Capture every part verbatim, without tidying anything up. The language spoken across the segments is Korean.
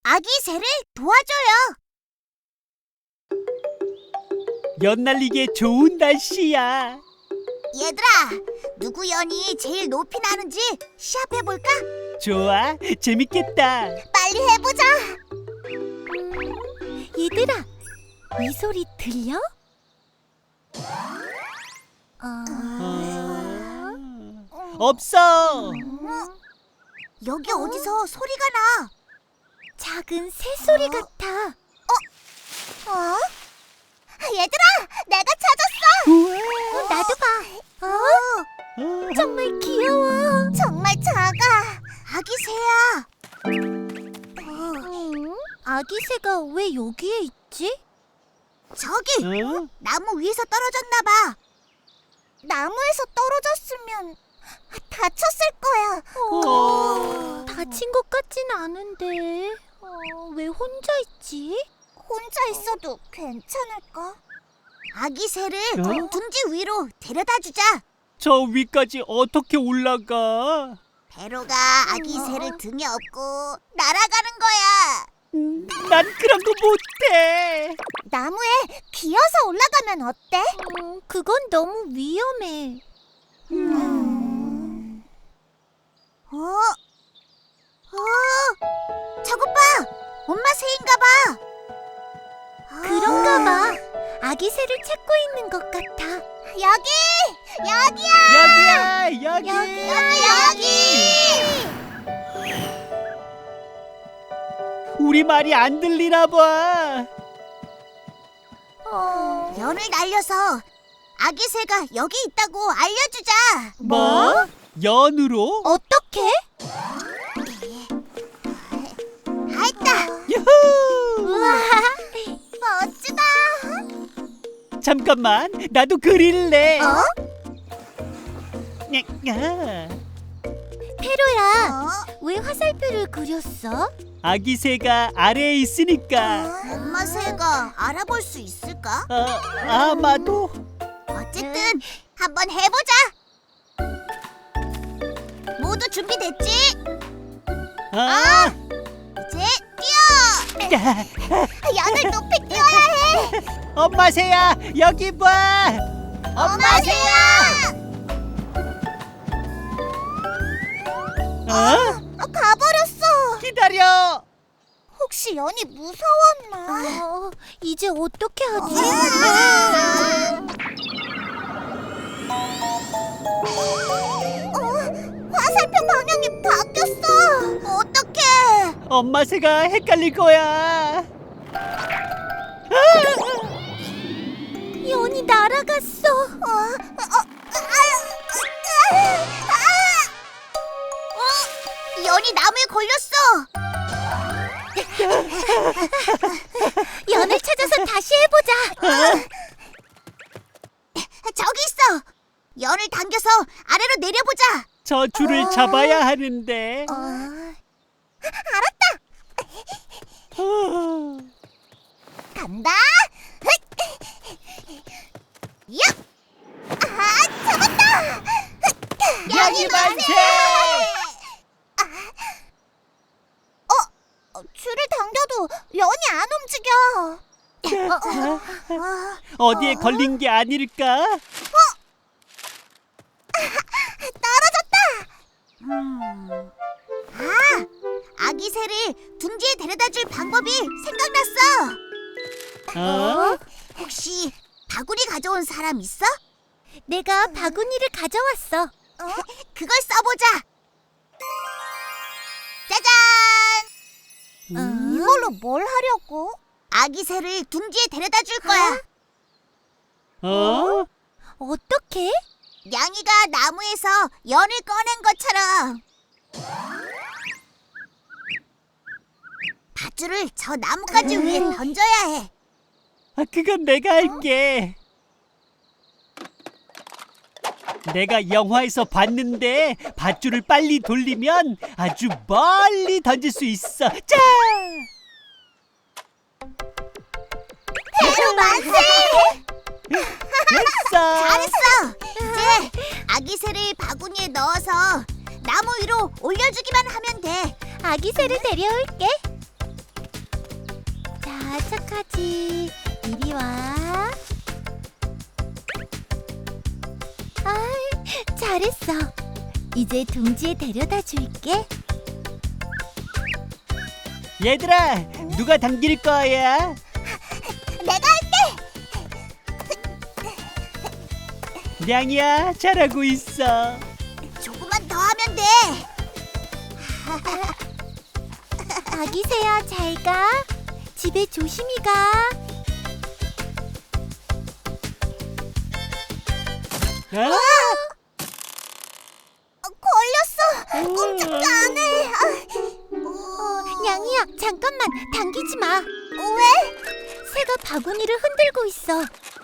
아기 새를 도와줘요. 연날리기에 좋은 날씨야. 얘들아, 누구 연이 제일 높이 나는지 시합해볼까? 좋아, 재밌겠다. 빨리 해보자. 얘들아, 이 소리 들려? 어... 없어. 여기 어디서 소리가 나? 작은 새소리 같아. 어? 얘들아, 내가 찾았어. 우와. 어, 나도 봐. 어? 어. 정말 귀여워. 정말 작아. 아기 새야. 음, 아기 새가 왜 여기에 있지? 저기 어? 나무 위에서 떨어졌나 봐. 나무에서 떨어졌으면 다쳤을 거야. 어, 다친 것 같진 않은데. 어, 왜 혼자 있지? 혼자 있어도 괜찮을까? 아기 새를 어? 둥지 위로 데려다 주자. 저 위까지 어떻게 올라가? 배로가 아기 새를 등에 업고 날아가는 거야. 음, 난 그런 거 못해. 나무에 기어서 올라가면 어때? 음, 그건 너무 위험해. 음. 어? 어? 저것 봐! 엄마 새인가 봐! 그런가 봐. 아기 새를 찾고 있는 것 같아. 여기! 여기야! 여기야, 여기. 여기, 여기! 우리 말이 안 들리나 봐. 어... 연을 날려서 아기 새가 여기 있다고 알려주자! 뭐? 연으로? 어떻게? 알다! 유후! 우와. 멋지다! 잠깐만, 나도 그릴래. 어? 야, 페로야, 어? 왜 화살표를 그렸어? 아기 새가 아래에 있으니까. 엄마 새가 알아볼 수 있을까? 어, 아마도. 어쨌든 한번 해보자! 모두 준비됐지? 아, 이제 뛰어! 야, 연을 높이 뛰어야 해! 엄마 새야, 여기 봐. 엄마 새야! 어? 어, 가버렸어! 기다려. 혹시 연이 무서웠나? 어, 이제 어떻게 하지? 어, 화살표 방향이 바뀌었어! 어떡해! 엄마 새가 헷갈릴 거야. 연이 날아갔어. 어, 어, 아, 아, 아, 어, 연이 나무에 걸렸어! 연을 찾아서 다시 해보자. 저기 있어! 연을 당겨서 아래로 내려보자! 저 줄을 잡아야 하는데. 어, 어. 간다! 야! 아, 잡았다! 연이 만세! 어, 어, 줄을 당겨도 연이 안 움직여. 어, 어, 어디에 걸린 게 아닐까? 떨어졌다! 음. 아, 아기 새를 둥지에 데려다 줄 방법이 생각났어. 어? 혹시 바구니 가져온 사람 있어? 내가 바구니를 가져왔어. 어? 그걸 써보자. 짜잔! 음. 이걸로 뭘 하려고? 아기 새를 둥지에 데려다 줄 거야. 어? 어떻게? 양이가 나무에서 연을 꺼낸 것처럼. 밧줄을 저 나뭇가지 위에 던져야 해. 아, 그건 내가 할게. 내가 영화에서 봤는데 밧줄을 빨리 돌리면 아주 멀리 던질 수 있어. 자! 페로 만세! 됐어. 잘했어. 이제 아기 새를 바구니에 넣어서 나무 위로 올려주기만 하면 돼. 아기 새를 데려올게. 자, 착하지. 이리 와. 아이, 잘했어. 이제 둥지에 데려다 줄게. 얘들아, 누가 당길 거야? 내가 냥이야, 잘하고 있어. 조금만 더 하면 돼. 아기 새야, 잘 가. 집에 조심히 가. 어? 어, 걸렸어. 꼼짝도 안 해. 아, 어, 냥이야, 잠깐만. 당기지 마. 왜? 새가 바구니를 흔들고 있어.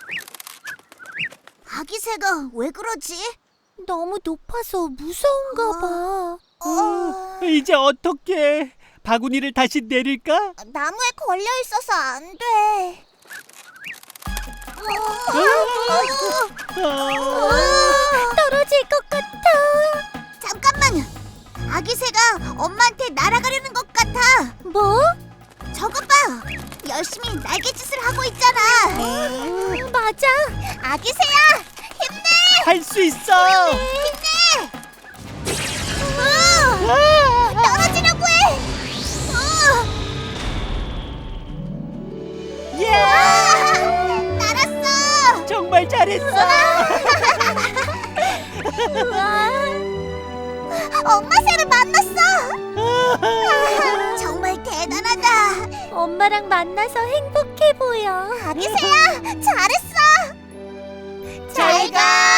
아기 새가 왜 그러지? 너무 높아서 무서운가 봐. 어, 이제 어떡해? 바구니를 다시 내릴까? 나무에 걸려 있어서 안 돼. 어, 떨어질 것 같아. 잠깐만. 아기 새가 엄마한테 날아가려는 것 같아. 뭐? 저것 봐. 열심히 날개짓을 하고 있잖아. 음, 맞아. 아기 새야, 힘내. 할 수 있어. 힘내. 어, 떨어지려고 해. 어. 예! 아, 날았어. 정말 잘했어. 우와. 엄마 새를 만났어. 정말 대단하다. 엄마랑 만나서 행복해 보여. 아기 새야, 잘했어. 잘 가.